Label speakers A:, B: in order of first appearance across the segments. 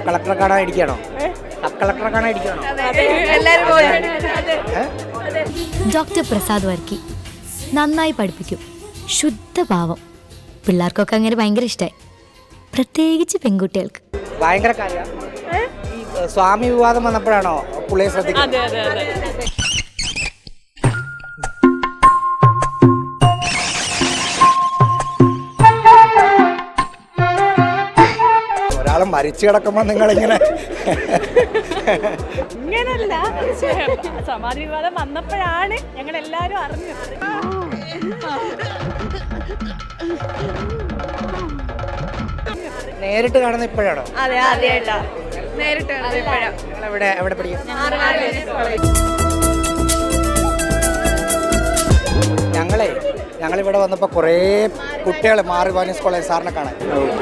A: Sub കളക്ടറെ കാണാൻ ഇരിക്കണോ? സബ് കളക്ടറെ കാണാൻ ഇരിക്കണോ?
B: ഡോക്ടർ പ്രസാദ് വർക്കി നന്നായി പഠിപ്പിക്കും, ശുദ്ധഭാവം. പിള്ളേർക്കൊക്കെ അങ്ങനെ ഭയങ്കര ഇഷ്ടമായി, പ്രത്യേകിച്ച് പെൺകുട്ടികൾക്ക്.
A: ഭയങ്കര കാര്യം. ഈ സ്വാമി വിവാദം വന്നപ്പോഴാണോ പുള്ളിയെ ശ്രദ്ധിക്കുന്നത്? ഒരാളെ മരിച്ചു കിടക്കുമ്പോ നിങ്ങളിങ്ങനെ
C: ഇങ്ങനല്ല, സമാധി വിവാദം വന്നപ്പോഴാണ് ഞങ്ങൾ എല്ലാരും അറിഞ്ഞത്.
A: നേരിട്ട് കാണുന്ന ഇപ്പോഴാണോ?
C: അതെ, ആദ്യമായിട്ടാ നേരിട്ട് കാണുന്നത് ഇപ്പോഴാ.
A: എവിടെ പഠിക്കും? ഞങ്ങളിവിടെ വന്നപ്പോൾ കുറേ കുട്ടികൾ മാറി വാനിയസ് കോളേജ് സാറിനെ കാണാൻ.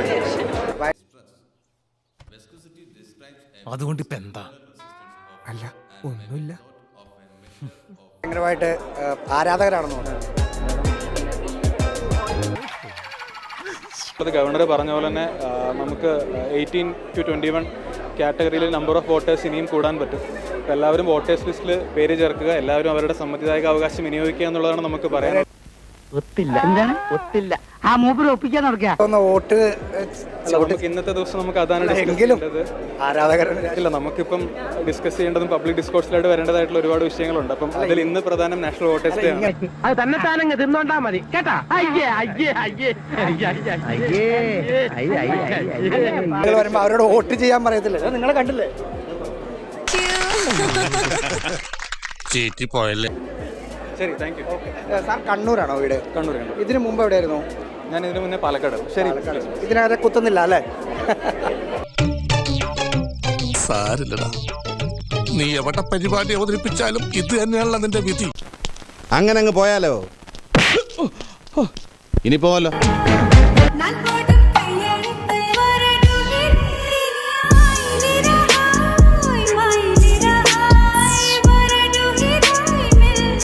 D: അതുകൊണ്ട് ഇപ്പൊ എന്താ? അല്ല, ഒന്നുമില്ല.
A: ഭയങ്കരമായിട്ട് ആരാധകരാണെന്ന് തോന്നുന്നു.
E: ഗവർണർ പറഞ്ഞ പോലെ തന്നെ നമുക്ക് 18 to 21 കാറ്റഗറിയിൽ നമ്പർ ഓഫ് വോട്ടേഴ്സ് ഇനിയും കൂടാൻ പറ്റും. അപ്പോൾ എല്ലാവരും വോട്ടേഴ്സ് ലിസ്റ്റിൽ പേര് ചേർക്കുക, എല്ലാവരും അവരുടെ സമ്മതിദായക അവകാശം വിനിയോഗിക്കുക എന്നുള്ളതാണ് നമുക്ക് പറയാൻ.
F: ഒത്തില്ല, എന്താണ് ഒത്തില്ല? ആ മൂപ്പര് ഒപ്പിക്കാൻ നടക്കുക.
A: വോട്ട്
E: നമുക്ക് ഇന്നത്തെ ദിവസം നമുക്ക് അതാണ് ഇല്ല, നമുക്കിപ്പം ഡിസ്കസ് ചെയ്യേണ്ടതും പബ്ലിക് ഡിസ്കോഴ്സിലായിട്ട് വരേണ്ടതായിട്ടുള്ള ഒരുപാട് വിഷയങ്ങളുണ്ട്. അപ്പം അതിൽ ഇന്ന് പ്രധാനം നാഷണൽ വോട്ടേഴ്സ് ഡേ ആണ്.
F: അത് തന്നെ താനങ്ങ് തിന്നോണ്ടാ മതി കേട്ടാ.
A: വരുമ്പോ അവരോട് വോട്ട് ചെയ്യാൻ പറയത്തില്ലേ? നിങ്ങളെ കണ്ടില്ലേ?
E: ശരി, താങ്ക് യു.
A: സാർ കണ്ണൂരാണോ വീട്?
E: കണ്ണൂർ.
A: ഇതിനു മുമ്പ് എവിടെയായിരുന്നു?
E: ഞാൻ ഇതിനു മുന്നേ പാലക്കാട്. ശരി,
A: ഇതിനകത്ത് കുത്തുന്നില്ല അല്ലേ?
D: സാരില്ലടാ, നീ എവിടെ പരിപാടി അവതരിപ്പിച്ചാലും ഇത് തന്നെയാണല്ലോ നിന്റെ വിധി.
G: അങ്ങനെ അങ്ങ് പോയാലോ? ഇനി പോവല്ലോ.